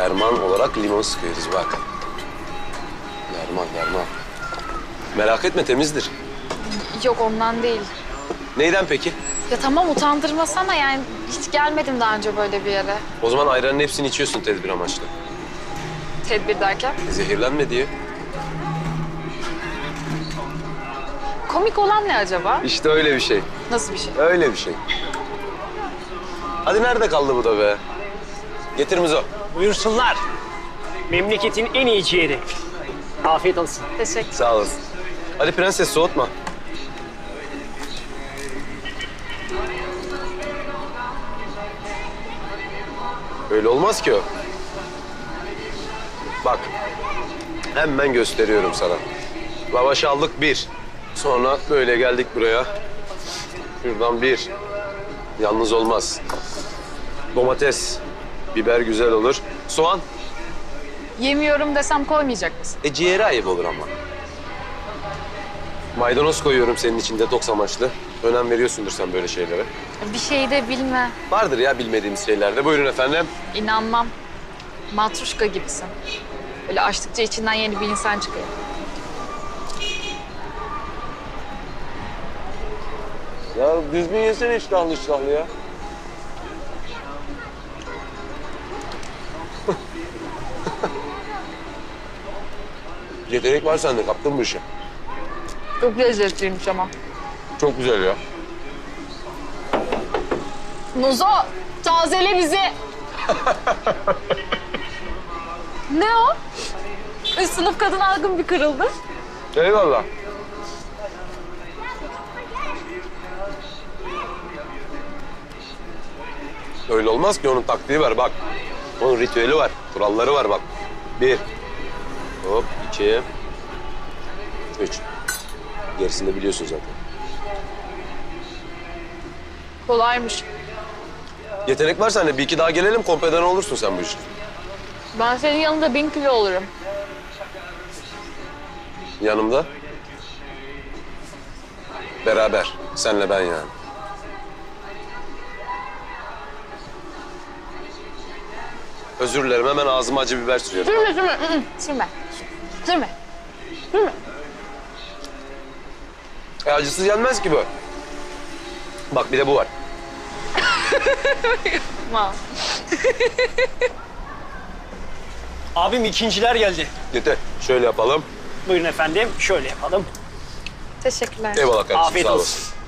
Derman olarak limon sıkıyoruz bak. Derman. Merak etme temizdir. Yok ondan değil. Neyden peki? Ya tamam utandırmasana yani hiç gelmedim daha önce böyle bir yere. O zaman ayranın hepsini içiyorsun tedbir amaçlı. Tedbir derken. Zehirlenme diye. Komik olan ne acaba? İşte öyle bir şey. Nasıl bir şey? Öyle bir şey. Hadi nerede kaldı bu da be? Getir Muzo. Buyursunlar. Memleketin en iyi ciğeri. Afiyet olsun. Teşekkür. Sağ olasın. Hadi prenses soğutma. Öyle olmaz ki o. Bak. Hemen gösteriyorum sana. Lavaş aldık bir. Sonra böyle geldik buraya. Şuradan bir. Yalnız olmaz. Domates. Biber güzel olur. Soğan. Yemiyorum desem koymayacak mısın? Ciğeri ayıp olur ama. Maydanoz koyuyorum senin için detoks amaçlı. Önem veriyorsundur sen böyle şeylere. Bir şey de bilme. Vardır ya bilmediğimiz şeyler de. Buyurun efendim. İnanmam. Matruşka gibisin. Böyle açtıkça içinden yeni bir insan çıkıyor. Ya düzgün yesene iştahlı ya. Yetenek var sende, kaptın bu işi. Çok lezzetliymiş ama. Çok güzel ya. Muzo, tazele bizi. Ne o? Üst sınıf kadın algın bir kırıldı. Eyvallah. Öyle olmaz ki, onun taktiği var bak. Onun ritüeli var, kuralları var bak. Bir. Hop, iki. Üç. Gerisini de biliyorsun zaten. Kolaymış. Yetenek var sende. Bir iki daha gelelim, kompeden olursun sen bu işin. Ben senin yanında 1000 kilo olurum. Yanımda. Beraber. Senle ben yani. Özür dilerim. Hemen ağzıma acı biber sürüyorum. Sürme. Sürme. Acısız yenmez ki bu. Bak bir de bu var. Ma. Abim ikinciler geldi. Yeter. Şöyle yapalım. Buyurun efendim. Şöyle yapalım. Teşekkürler. Eyvallah kardeşim. Afiyet sağ olsun. olasın.